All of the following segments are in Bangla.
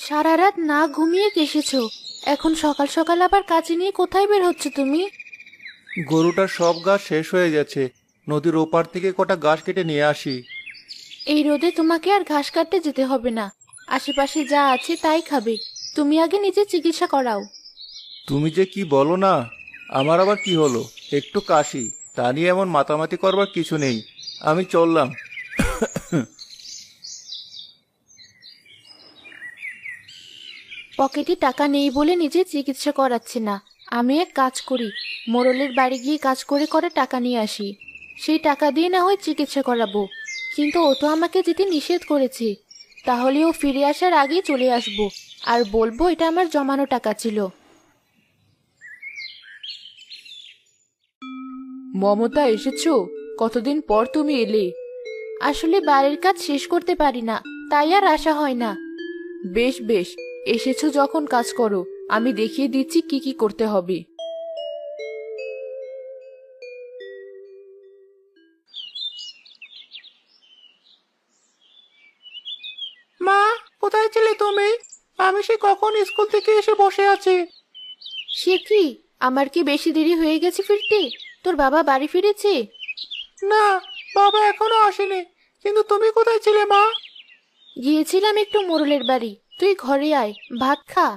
সারা রাত না ঘুমিয়ে এসেছো, এখন সকাল সকাল আবার কাজে নিয়ে কোথায় বের হচ্ছে তুমি? গরুটার সব ঘাস শেষ হয়ে গেছে। নদীর ওপার থেকে কটা ঘাস কেটে নিয়ে আসি। এই রোদে তোমাকে আর ঘাস কাটতে যেতে হবে না, আশেপাশে যা আছে তাই খাবে। তুমি আগে নিজে চিকিৎসা করাও। তুমি যে কি বলো না! আমার আবার কি হলো? একটু কাশি, তা নিয়ে এমন মাতামাতি করবার কিছু নেই। আমি চললাম। পকেটে টাকা নেই বলে নিজে চিকিৎসা করাচ্ছি না। আমি এক কাজ করি, মোড়লের বাড়ি গিয়ে কাজ করে করে টাকা নিয়ে আসি। সেই টাকা দিয়ে না হয় চিকিৎসা করাবো, কিন্তু ও তো আমাকে যেতে নিষেধ করেছে। তাহলে ও ফিরে আসার আগেই চলে আসবো, আর বলবো এটা আমার জমানো টাকা ছিল। মমতা, এসেছো? কতদিন পর তুমি এলে। আসলে বাড়ির কাজ শেষ করতে পারি না, তাই আর আসা হয় না। বেশ বেশ, এসেছো যখন কাজ করো, আমি দেখিয়ে দিচ্ছি কি কি করতে হবে। মা, কোথায় ছিলে তুমি? আমি সে কখন স্কুল থেকে এসে বসে আছি। সে কি, আমার কি বেশি দেরি হয়ে গেছে ফিরতে? তোর বাবা বাড়ি ফিরেছে? না, বাবা এখনো আসেনি। কিন্তু তুমি কোথায় ছিলে মা? গিয়েছিলাম একটু মোড়লের বাড়ি, তুই ঘরে আয়, ভাত খা।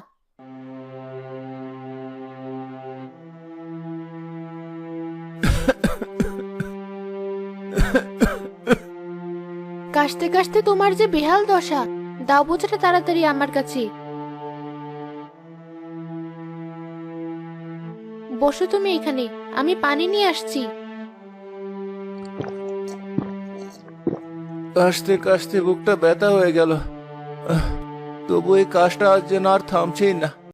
কাশতে কাশতে তোমার যে বেহাল দশা, দাও বোঝাটা তাড়াতাড়ি আমার কাছে। বসো তুমি এখানে, আমি পানি নিয়ে আসছি। কাশতে কাশতে বুকটা ব্যথা হয়ে গেল। তবু এই কাশটা আজ যেন আর থামছেই না।